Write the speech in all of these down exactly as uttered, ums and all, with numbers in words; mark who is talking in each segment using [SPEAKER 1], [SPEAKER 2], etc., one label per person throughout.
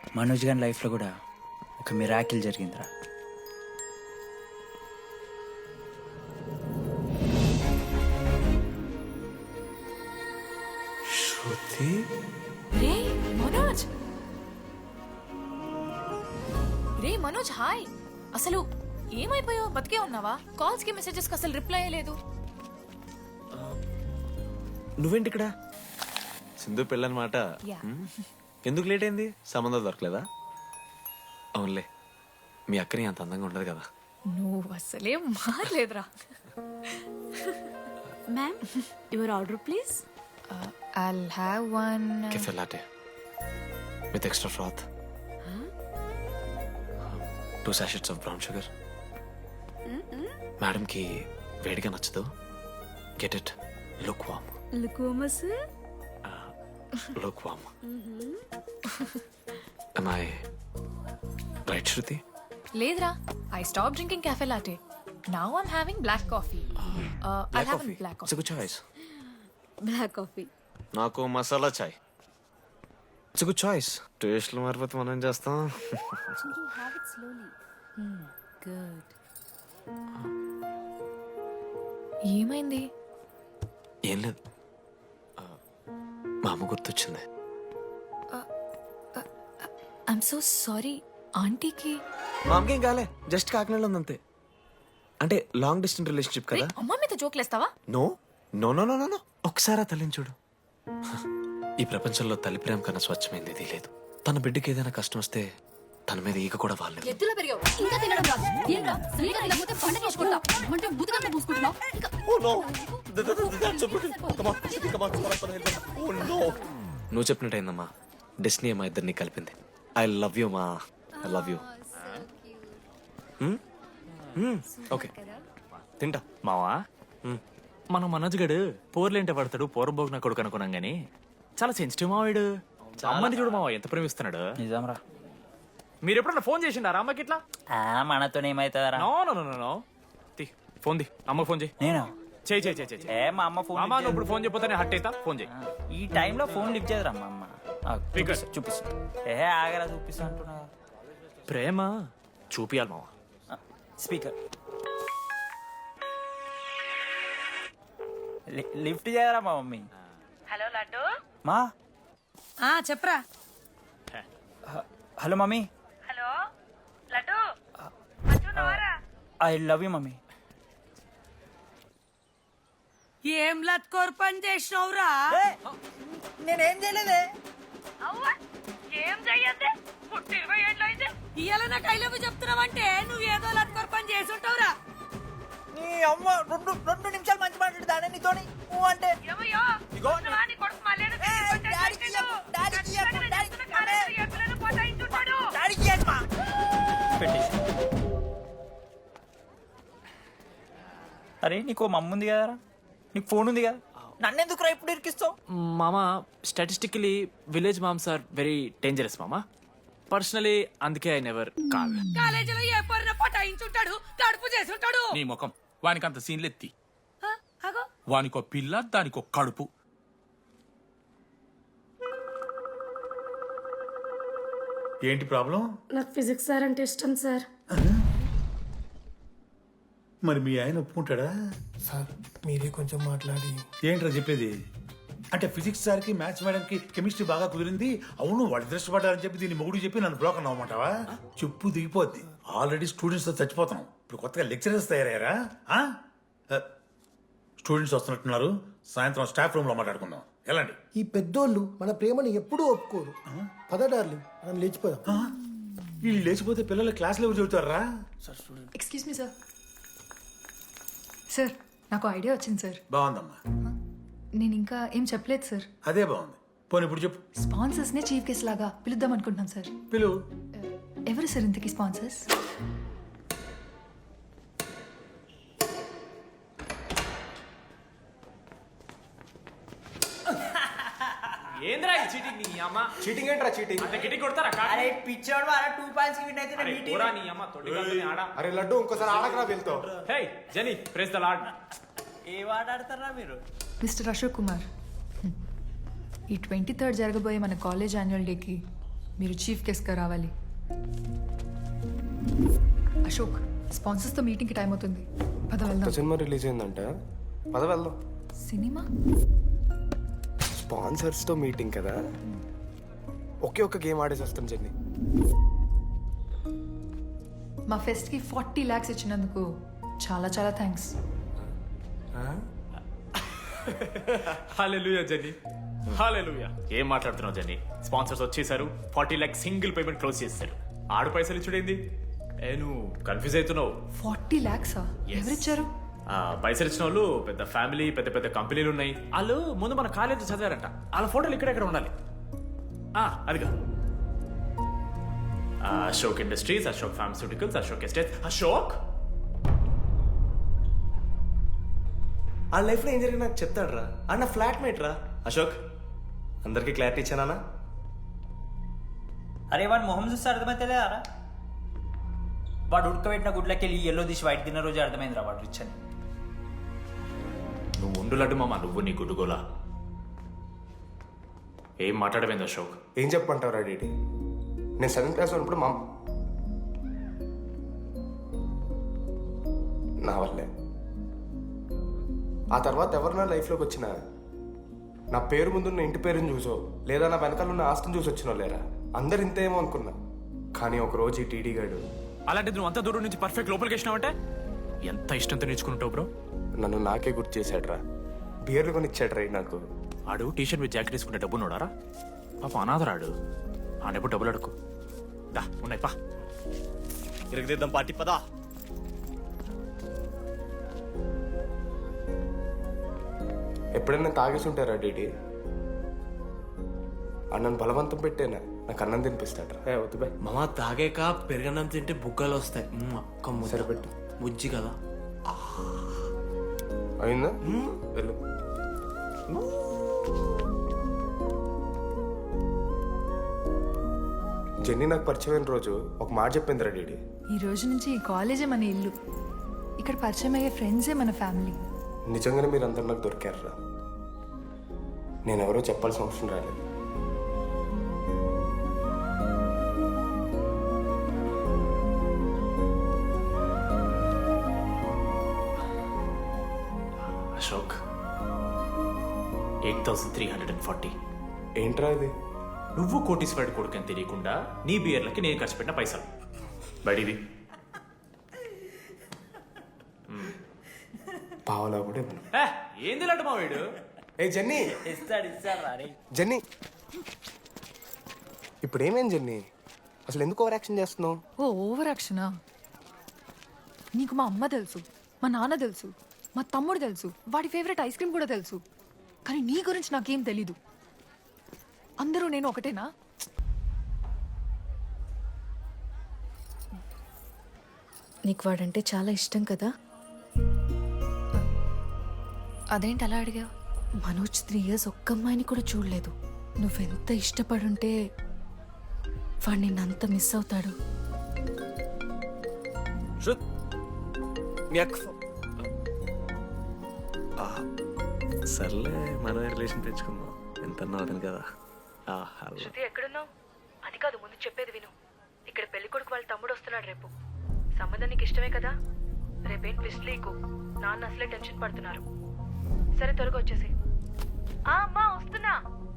[SPEAKER 1] మనోజ్ గారి లైఫ్లో కూడా ఒక మిరాకిల్ జరిగిందిరా.
[SPEAKER 2] శృతి
[SPEAKER 3] రే మనోజ్ రే మనోజ్ హాయ్. అసలు ఏమైపోయావు? బతికే ఉన్నావా? కాల్స్ కి మెసేజెస్ కి అసలు రిప్లై అయ్యలేదు.
[SPEAKER 2] నువ్వేంటి ఇక్కడ? సింధు పెళ్ళనమాట.
[SPEAKER 3] Yeah.
[SPEAKER 2] ఎందుకు లేట్ అయింది? సంబంధం దొరకలేదా? అవునులే, మీ అక్కని అంత అందంగా ఉండదు కదా.
[SPEAKER 3] నువ్వు అసలే మారలేదురా.
[SPEAKER 4] Ma'am your order please.
[SPEAKER 3] I'll have one
[SPEAKER 2] cafe latte with extra froth, two sachets of brown sugar. Madam కి వేడిగా నచ్చదు. Get it look warm.
[SPEAKER 4] లుకోమస్
[SPEAKER 2] look warm. am I right, Shruti?
[SPEAKER 3] లేదురా. I stop drinking cafe latte. Now I'm having black coffee. I
[SPEAKER 2] Black
[SPEAKER 3] have
[SPEAKER 2] coffee.
[SPEAKER 3] Black
[SPEAKER 2] It's a
[SPEAKER 3] coffee.
[SPEAKER 2] good choice.
[SPEAKER 4] Black coffee.
[SPEAKER 2] నాకు మసాలా చాయ్. It's good choice. టేస్ట్లు మారిపోతే మనం ఏం చేస్తాం?
[SPEAKER 4] Have it slowly. Good.
[SPEAKER 3] ఏమైంది?
[SPEAKER 2] ఏం లేదు, ఆ, మా అమ్మ గుర్తొచ్చింది.
[SPEAKER 3] I'm so sorry. ఆంటీకి
[SPEAKER 2] మా అమ్మకి ఏం కాలే, జస్ట్ కాకినాడలో ఉంది అంతే. అంటే లాంగ్ డిస్టెన్స్ రిలేషన్షిప్ కదా.
[SPEAKER 3] అమ్మ మీద జోక్లేస్తావా?
[SPEAKER 2] No no no no no no ఒకసారి ఆ తల్లిని చూడు. ఈ ప్రపంచంలో తల్లి ప్రేమ కన్నా స్వచ్ఛమైంది ఇది లేదు. తన బిడ్డకి ఏదైనా కష్టం వస్తే తన మీద ఈగ కూడా వాళ్ళలేదు.
[SPEAKER 4] ఎత్తులో పెరిగావు ఇంకా తినడం రాదు. ఏంట్రా సరిగా తినకపోతే పంట చేసుకుంటా అంటే బుద్ధకంటే పూసుకుంటున్నావు.
[SPEAKER 2] నువ్వు చెప్పినట్టయిందమ్మా, డెస్నీ మా ఇద్దరిని కలిపింది. ఐ లవ్ యూ మా, ఐ లవ్ యూ. ఓకే తింటా.
[SPEAKER 5] మావా మన మనోజ్ గడు పోర్లేంటే పడతాడు, పోరబోగు నా కొడుకు అనుకున్నాం గానీ చాలా సెన్సిటివ్ మావాడు. అమ్మని చూడు మావా ఎంత ప్రేమిస్తున్నాడు.
[SPEAKER 1] నిజంరా.
[SPEAKER 5] మీరు ఎప్పుడన్నా ఫోన్ చేసిండారా అమ్మకి ఇట్లా?
[SPEAKER 1] మనతో ఏమైతుందరా?
[SPEAKER 5] No no no no no తీ ఫోన్ ది, అమ్మకి ఫోన్ చేయి.
[SPEAKER 1] నేను
[SPEAKER 5] చేయి చేయి చేయి చేయి.
[SPEAKER 1] ఏ మా అమ్మ ఫోన్
[SPEAKER 5] అమ్మ నువ్వు ఇప్పుడు ఫోన్ చెప్పితే హట్ అవుతా. ఫోన్ చేయి.
[SPEAKER 1] ఈ టైంలో ఫోన్ లిఫ్ట్ చేయదురా మా అమ్మ. ఆ,
[SPEAKER 5] Speaker.
[SPEAKER 1] చూపిస్తా, చూపిస్తా. ఏ ఆగరా చూపిస్తా అంటున్నా.
[SPEAKER 5] ప్రేమ చూపియాలి మావా.
[SPEAKER 1] స్పీకర్ లిఫ్ట్ చేయరా మా మమ్మీ.
[SPEAKER 6] హలో లడ్డు.
[SPEAKER 1] మా
[SPEAKER 6] ఆ చెప్పరా.
[SPEAKER 1] Hello mummy.
[SPEAKER 6] హలో లడ్డు. మంచున్నావారా?
[SPEAKER 1] I love you mummy.
[SPEAKER 6] ఏం లత్కోర్ పని చేసినవురా?
[SPEAKER 1] నేనేం చేయలేదే.
[SPEAKER 6] అవ్వా ఏం చెయ్యద్దే. పుట్టి ఇరవై ఏళ్ళు అయితే ఇయ్యాల నాకు ఐ లవ్ యూ చెప్తున్నావంటే నువ్వు ఏదో లత్కోర్ పని చేసి ఉంటావురా.
[SPEAKER 1] నీ అమ్మ రెండు రెండు నిమిషాలు మంచి మాట్లాడుతానే నీతోని నువ్వు అంటే.
[SPEAKER 6] ఏమయ్యో ఉన్నవా? నీ కొడుకు మళ్ళీ
[SPEAKER 1] అరే నీకు మమ్మ ఉంది కదరా, నీకు ఫోన్ ఉంది కదా, నన్నెందుకు రా ఇప్పుడు ఇరికిస్తావు?
[SPEAKER 5] మామా statistically village moms are very dangerous మామా. పర్సనలీ అందుకే ఐ నెవర్ కాల్.
[SPEAKER 6] కాలేజీలో ఏ పొరిన పటాయించుంటాడు, కడుపు చేసి ఉంటాడు.
[SPEAKER 7] నీ ముఖం వానికంత సీన్లెత్తి.
[SPEAKER 6] ఆ, అగో
[SPEAKER 7] వానికో పిల్ల దానికో కడుపు.
[SPEAKER 8] ఏంటి ప్రాబ్లం?
[SPEAKER 4] నాకు ఫిజిక్స్ సార్ అంటే ఇష్టం సార్.
[SPEAKER 8] మరి మీ ఆయన ఒప్పుకుంటాడా?
[SPEAKER 9] సార్ మీరే కొంచెం మాట్లాడి.
[SPEAKER 8] ఏంట్రా చెప్పేది? అంటే ఫిజిక్స్ సార్కి మ్యాథ్స్ మేడంకి కెమిస్ట్రీ బాగా కుదిరింది, అవును వాళ్ళు ఇష్టపడ్డారని చెప్పి దీన్ని మొగుడు చెప్పి నన్ను బ్లాక్ అన్నమాటవా? చెప్పు దిగిపోద్ది. ఆల్రెడీ స్టూడెంట్స్తో చచ్చిపోతున్నాం, ఇప్పుడు కొత్తగా లెక్చరర్స్ తయారయ్యారా? స్టూడెంట్స్ వస్తున్నట్టున్నారు, సాయంత్రం స్టాఫ్ రూమ్లో మాట్లాడుకుందాం. ఎలాండి?
[SPEAKER 9] ఈ పెద్దోళ్ళు మన ప్రేమని ఎప్పుడూ ఒప్పుకోరు. పద డార్లింగ్ మనం లేచిపోదాం.
[SPEAKER 8] వీళ్ళు లేచిపోతే పిల్లలు క్లాస్లో ఎవరు చెబుతారా?
[SPEAKER 3] Excuse me sir. సార్ నాకు ఐడియా వచ్చింది సార్.
[SPEAKER 8] బాగుందమ్మా,
[SPEAKER 3] నేను ఇంకా ఏం చెప్పలేదు సార్.
[SPEAKER 8] అదే బాగుంది. పోనీ ఇప్పుడు చెప్పు.
[SPEAKER 3] స్పాన్సర్స్ నే చీఫ్ గెస్ట్ లాగా పిలుద్దాం అనుకుంటున్నాం సార్.
[SPEAKER 8] పిలువు.
[SPEAKER 3] ఎవరు సార్ ఇంతకీ స్పాన్సర్స్?
[SPEAKER 5] ఏంద్రా ఈ చీటింగ్ నీ అమ్మ?
[SPEAKER 9] చీటింగ్ ఏంట్రా చీటింగ్?
[SPEAKER 5] అంత గిటి కొడతారా?
[SPEAKER 1] అరే పిచ్చోడు వారా టూ పాయింట్స్ విన్ అయితే
[SPEAKER 5] అరే పోరా నీ అమ్మ తొడి గంటని ఆడ.
[SPEAKER 9] అరే లడ్డు ఇంకోసారి ఆడకరా వెళ్తావు.
[SPEAKER 5] Hey Jenny praise the Lord.
[SPEAKER 1] ఏ వాడు ఆడతారా మీరు?
[SPEAKER 3] మిస్టర్ అశోక్ కుమార్, ఈ ట్వంటీ థర్డ్ జరగబోయే మన కాలేజ్ యాన్యువల్ డేకి
[SPEAKER 10] మీరు చీఫ్ గెస్ట్గా రావాలి. అశోక్, స్పాన్సర్స్తో మీటింగ్కి టైం అవుతుంది. పద వెళ్దాం.
[SPEAKER 11] సినిమా రిలీజ్ అయిందంట, పద వెళ్దాం.
[SPEAKER 10] సినిమా?
[SPEAKER 11] స్పాన్సర్స్తో మీటింగ్ కదా, ఒకే ఒక్క గేమ్ ఆడేసి వస్తాం జర్నీ.
[SPEAKER 10] మా ఫెస్ట్కి ఫార్టీ ల్యాక్స్ ఇచ్చినందుకు చాలా చాలా థ్యాంక్స్.
[SPEAKER 5] హల్లెలూయా జెన్నీ, హల్లెలూయా. ఏం మాట్లాడుతున్నావు జెన్నీ? స్పాన్సర్స్ వచ్చేసారు, forty lakh single payment close చేస్తారు. ఆడు పైసలు ఇచ్చుడేంది? ఏ నువ్వు కన్ఫ్యూజ్ అవుతున్నావు.
[SPEAKER 10] ఫార్టీ ల్యాక్సా? ఎవరిచ్చారు?
[SPEAKER 5] ఆ, పైసలు ఇచ్చిన వాళ్ళు పెద్ద ఫ్యామిలీ, పెద్ద పెద్ద కంపెనీలు ఉన్నాయి. వాళ్ళు ముందు మన కాలేజ్ చదివారంట. వాళ్ళ ఫోటోలు ఇక్కడెక్కడ ఉండాలి. ఆ, అదిగా Ashok industries, Ashok pharmaceuticals, Ashok estates. Ashok
[SPEAKER 11] ఆ లైఫ్లో ఏం జరిగింది నాకు చెప్తాడు రా. అన్న ఫ్లాట్ మేట్ రా అశోక్. అందరికి క్లారిటీ ఇచ్చానా?
[SPEAKER 1] అరే వాడు మొహం చూస్తే అర్థమైతే అరా. వాడు ఉడకబెట్టిన గుడ్లకి వెళ్ళి ఎల్లో తీసి వైట్ తిన్న రోజు అర్థమైందిరా వాడు రిచ్ అని.
[SPEAKER 5] నువ్వు ఉండులడ్డు మామ, నువ్వు నీ గుడ్డుగోలా. ఏం మాట్లాడమైంది అశోక్?
[SPEAKER 11] ఏం చెప్పమంటావు డీటీ? నేను సెవెంత్ క్లాస్ ఉన్నప్పుడు మా నా వల్లే. ఆ తర్వాత ఎవరు నా లైఫ్లోకి వచ్చినా నా పేరు ముందున్న ఇంటి పేరుని చూసో లేదా నా వెనకాల ఉన్న ఆస్తిని చూసి వచ్చినో లేరా, అందరు ఇంతేమో అనుకున్నా. కానీ ఒకరోజు ఈ టీడీ గాడు,
[SPEAKER 5] అలాంటిది నువ్వు అంత దూరం నుంచి పర్ఫెక్ట్ లోపలికి వేసినావంటే ఎంత ఇష్టంతో నేర్చుకుంటావు బ్రో.
[SPEAKER 11] నన్ను నాకే గుర్తు చేశాడు రా. బియర్లు కొని ఇచ్చాడు రా నాకు.
[SPEAKER 5] ఆడు టీషర్ట్ మీద జాకెట్ తీసుకుంటే డబ్బు నోడారా? పాప అనాథరాడు. ఆడెప్పుడు డబ్బులు అడుకు. దా ఉన్నాయి పా,
[SPEAKER 11] ఇరగదిద్దాం పార్టీ పదా. ఎప్పుడైనా తాగేసి ఉంటారా డీటీ? అన్నను బలవంతం పెట్టేనా నాకు అన్నం తినిపిస్తాడు. వద్దు బాయ్
[SPEAKER 2] మామ, తాగాక పెరగన్నం తింటే బుగ్గలు వస్తాయి. కమ్ము
[SPEAKER 11] సరిపెట్టు.
[SPEAKER 2] బుజ్జి కదా.
[SPEAKER 11] అయిందా? వెళ్ళు. జెన్నీ నాకు పరిచయమైన రోజు ఒక మాట చెప్పింది రా డీడీ.
[SPEAKER 10] ఈ రోజు నుంచి ఈ కాలేజే మన ఇల్లు. ఇక్కడ పరిచయం అయ్యే ఫ్రెండ్సే మన ఫ్యామిలీ.
[SPEAKER 11] నిజంగానే మీరు అందరు నాకు దొరికారు రా. నేను ఎవరో చెప్పాల్సిన అవసరం రాలేదు.
[SPEAKER 5] Ashok, eight thousand three hundred and forty.
[SPEAKER 11] ఏంట్రా ఇది?
[SPEAKER 5] నువ్వు కోటీశ్వరుడి కొడుకు అని తెలియకుండా నీ బియర్లకి నేను ఖర్చు పెట్టిన పైసలు బడివి.
[SPEAKER 11] పావలా కూడా ఇవ్వను.
[SPEAKER 5] ఏంది లాంటి మా వీడు?
[SPEAKER 11] ఏ జెన్నీ,
[SPEAKER 1] ఇస్తాడు ఇస్తాడు రా రే.
[SPEAKER 11] జెన్నీ ఇప్పుడు ఏమేం జెన్నీ? అసలు ఎందుకు ఓవర్ యాక్షన్ చేస్తున్నావు?
[SPEAKER 10] ఓ ఓవర్ యాక్షనా? నీకు మా అమ్మ తెలుసు, మా నాన్న తెలుసు, మా తమ్ముడు తెలుసు, వాడి ఫేవరెట్ ఐస్ క్రీమ్ కూడా తెలుసు. కానీ నీ గురించి నాకేం తెలీదు. అందరూ నేను ఒకటేనా?
[SPEAKER 3] నీకు వాడంటే చాలా ఇష్టం కదా?
[SPEAKER 10] అదేంటి అలా అడిగావు?
[SPEAKER 3] మనోజ్ త్రీ ఇయర్స్ ఒక్క అమ్మాయిని కూడా చూడలేదు. నువ్వెంత ఇష్టపడుంటే వాడు నిన్నంత మిస్ అవుతాడు.
[SPEAKER 2] సర్లే, మనం రిలేషన్ తెచ్చుకుందాం. ఎంత అతను కదా.
[SPEAKER 6] శృతి ఎక్కడున్నావు? అది కాదు, ముందు చెప్పేది విను. ఇక్కడ పెళ్లి కొడుకు వాళ్ళ తమ్ముడు వస్తున్నాడు రేపు. సంబంధం నీకు ఇష్టమే కదా? రేపేం ట్విస్ట్ లీకు. నాన్న అసలే టెన్షన్ పడుతున్నారు. సరే త్వరగా వచ్చేసి. ఆ అమ్మా వస్తున్నా.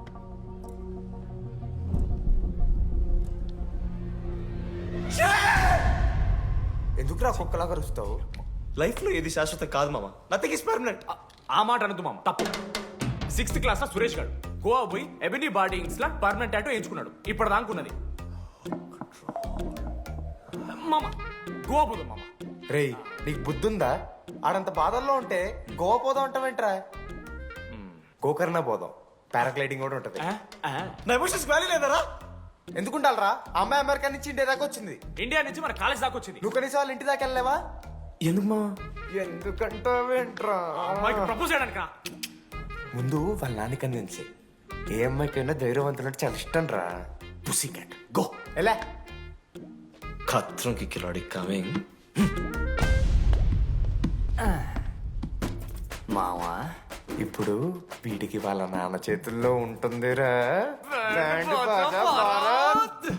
[SPEAKER 11] ఎందుకు రా కుక్కలాగా రుస్తావు? లైఫ్ లో ఏది శాశ్వతం కాదు మామ. Nothing is permanent.
[SPEAKER 5] ఆ మాట అనదు మామ, తప్పు. సిక్స్త్ క్లాస్ లో సురేష్ గారు గోవా పోయి ఎబినీ బార్డింగ్స్ లా పర్మనెంట్ టాటూ వేయించుకున్నాడు. ఇప్పుడు దానుకున్నది మామ. గోవా పోదాం మామ.
[SPEAKER 11] రేయ్, నీకు బుద్ధుందా? ఆడంత బాధల్లో ఉంటే గోవా పోదాం అంటావేంట్రా? గోకర్ణ పోదాం, పారాగ్లైడింగ్ కూడా ఉంటది. నా ఎమోషన్స్ వ్యాలీ లేదరా? ఎందుకుంటారా? అమ్మాయి అమెరికా నుంచి ఇండియా దాకా వచ్చింది.
[SPEAKER 5] ఇండియా నుంచి మన కాలేజ్ దాకా వచ్చింది.
[SPEAKER 11] నువ్వు కనీసం వాళ్ళ ఇంటి దాకా వెళ్ళలేవా? ఎందుకు మా? ఎందుకంటావేంట్రా?
[SPEAKER 5] అమ్మాయికి ప్రపోజ్ చేయడానికి
[SPEAKER 11] ముందు వాళ్ళ నాన్నకి అందించి ఏ అమ్మాయికైనా ధైర్యవంతులంటే చాలా ఇష్టం రా.
[SPEAKER 2] Pussy cat go.
[SPEAKER 11] ఎలా?
[SPEAKER 2] ఖత్రం కి కిలాడి కమింగ్.
[SPEAKER 11] మావా, ఇప్పుడు వీడికి వాళ్ళ నాన్న చేతుల్లో ఉంటుందిరా. బ్యాండ్ బాజా భారత్.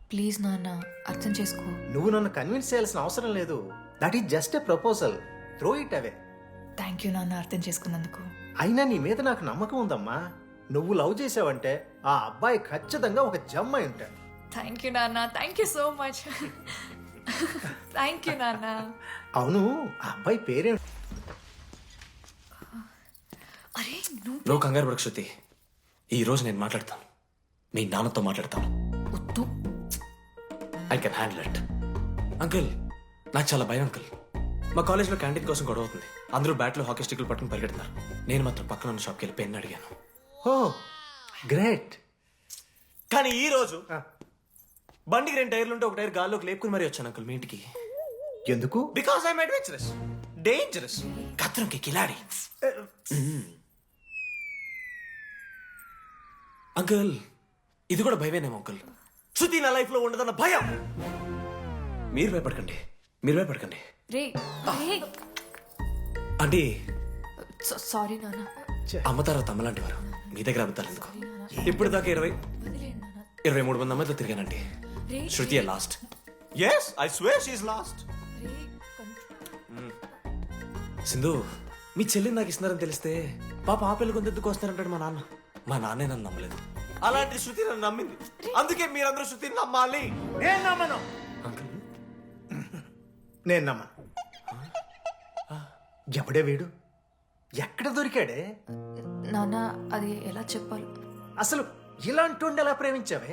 [SPEAKER 10] ప్లీజ్ నాన్న అర్థం చేసుకో.
[SPEAKER 11] నువ్వు నన్ను కన్విన్స్ చేయాల్సిన అవసరం లేదు. That is just a proposal. Throw it away.
[SPEAKER 10] Thank you నాన్న అర్థం చేసుకున్నందుకు.
[SPEAKER 11] అయినా నీ మీద నాకు నమ్మకం ఉందమ్మా. నువ్వు లవ్ చేసావంటే ఆ అబ్బాయి ఖచ్చితంగా ఒక జమ్ అయి ఉంటాడు.
[SPEAKER 10] థ్యాంక్ యూ నాన్న, thank you so much. Thank you నాన్న.
[SPEAKER 11] అవును, ఆ అబ్బాయి పేరేం?
[SPEAKER 10] అరే నువ్వు
[SPEAKER 2] నువ్వు కంగారు పడకు శృతి. ఈ రోజు నేను మాట్లాడతాను, మీ నాన్నతో మాట్లాడతాను.
[SPEAKER 10] వద్దు.
[SPEAKER 2] I can handle it. Uncle, నాకు చాలా భయం అంకుల్. మా కాలేజ్లో క్యాంటీన్ కోసం గొడవ అవుతుంది. అందరూ బ్యాట్లో హాకీ స్టిక్లు పట్టుకుని పరిగెడుతున్నారు. నేను మాత్రం పక్కన ఉన్న షాప్కి వెళ్ళి పెన్ అడిగాను.
[SPEAKER 11] Oh great.
[SPEAKER 2] కానీ ఈ రోజు బండికి రెండు టైర్లు ఉంటే ఒక టైర్ గాల్లోకి లేపుకుని మరీ వచ్చాను అంకుల్ మీ ఇంటికి.
[SPEAKER 11] ఎందుకు?
[SPEAKER 2] బికాస్ ఐఎమ్ అడ్వెంచరస్, డేంజరస్, కత్రంకి కిలాడి. అంకుల్, ఇది కూడా భయమేనేమో అంకుల్. శృతి నా లైఫ్ లో ఉండదన్న భయం. మీరు భయపడకండి, మీరు భయపడకండి.
[SPEAKER 10] రే రే
[SPEAKER 2] అంటే
[SPEAKER 10] సారీ నాన్న.
[SPEAKER 2] అమ్మ తర్వాత అమ్మ లాంటి వారు, మీ దగ్గర అబద్ధాలు ఎందుకు? ఇప్పుడు దాకా ఇరవై ఇరవై మూడు మంది అమ్మాయితో తిరిగానండి. Shruti last. Yes, I swear she is last. Sindhu, మీ చెల్లిని నాకు ఇస్తున్నారని తెలిస్తే పాప ఆ పెళ్లి కొంత ఎందుకు వస్తారంటాడు మా నాన్న. మా నాన్నే నన్ను నమ్మలేదు, అలాంటి శృతి నన్ను నమ్మింది. అందుకే మీరందరూ శృతిని నమ్మాలి.
[SPEAKER 11] నేను నమ్మను.
[SPEAKER 2] అంకుల్,
[SPEAKER 11] నేను నమ్మను. ఎవడే వీడు? ఎక్కడ దొరికాడే?
[SPEAKER 10] నాన్న అది ఎలా చెప్పాలి?
[SPEAKER 11] అసలు ఇలాంటి ఎలా ప్రేమించావే?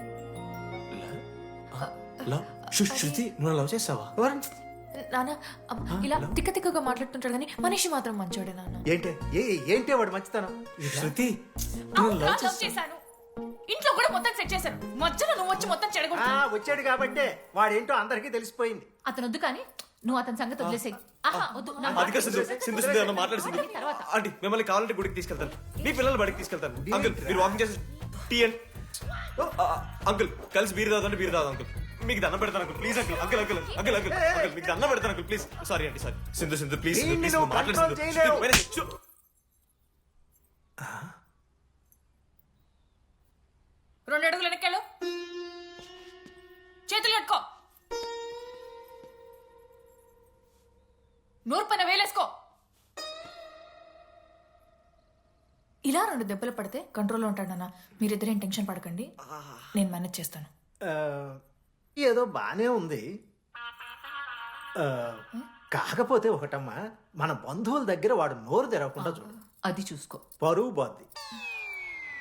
[SPEAKER 2] లవ్? శృ- శృతి నువ్వు లవ్ చేసావా?
[SPEAKER 10] నాన్న అమ్మ, ఇలా తిక్క తిక్కగా మాట్లాడుతుంటాడు కానీ మనిషి మాత్రం మంచోడే నాన్న.
[SPEAKER 11] ఏంటే ఏ ఏంటే వాడు మంచితనం?
[SPEAKER 2] శృతి
[SPEAKER 10] అవును, నా లవ్ చేశాను. ఇంట్లో కూడా మొత్తం సెట్ చేశాను. మధ్యలో నువ్వు వచ్చి మొత్తం
[SPEAKER 11] ఆ,
[SPEAKER 10] చెడగొట్టావు.
[SPEAKER 11] వచ్చాడు కాబట్టే వాడేంటో అందరికీ తెలిసిపోయింది.
[SPEAKER 10] అతను వద్దు కానీ నువ్వు అతని సంగతి వదిలేసేయి. ఆహా వద్దు. నా
[SPEAKER 2] అది కాదు సింధు, సింధు సింధు అన్న మాట్లాడు సింధు.
[SPEAKER 10] తర్వాత.
[SPEAKER 2] ఆంటీ, మిమ్మల్ని కావాలంటే గుడికి తీసుకెళ్తాను, మీ పిల్లలు బడికి తీసుకెళ్తాను. అంకుల్, మీరు వాకింగ్ చేసి టీ అండ్ అంకుల్ కలిసి బీరు తాగుతుంటే బీరు తాగు అంకుల్. మీకు దండం పెడతాను uncle, please uncle. Uncle uncle uncle uncle uncle మీకు దండం పెడతాను అంకుల్, ప్లీజ్. సారీ అండి, sorry. Sindhu Sindhu please, Sindhu please,
[SPEAKER 11] నువ్వు
[SPEAKER 2] మాట్లాడు
[SPEAKER 11] control
[SPEAKER 2] సింధు.
[SPEAKER 11] చేయలేవు.
[SPEAKER 2] శృతి, వేరే- శృ-
[SPEAKER 10] రెండు అడుగులు వెనక్కాలు, చేతులు కట్టుకో, నూరు పైన వేలేసుకో. ఇలా రెండు దెబ్బలు పడితే కంట్రోల్లో ఉంటాడన్నా. మీరిద్దరేం టెన్షన్ పడకండి, నేను మేనేజ్ చేస్తాను.
[SPEAKER 11] ఆ, ఏదో బానే ఉంది. ఆ, కాకపోతే ఒకటమ్మా, మన బంధువుల దగ్గర వాడు నోరు తెరవకుండా చూడు.
[SPEAKER 10] అది చూసుకో.
[SPEAKER 11] పరువు బాద్ది.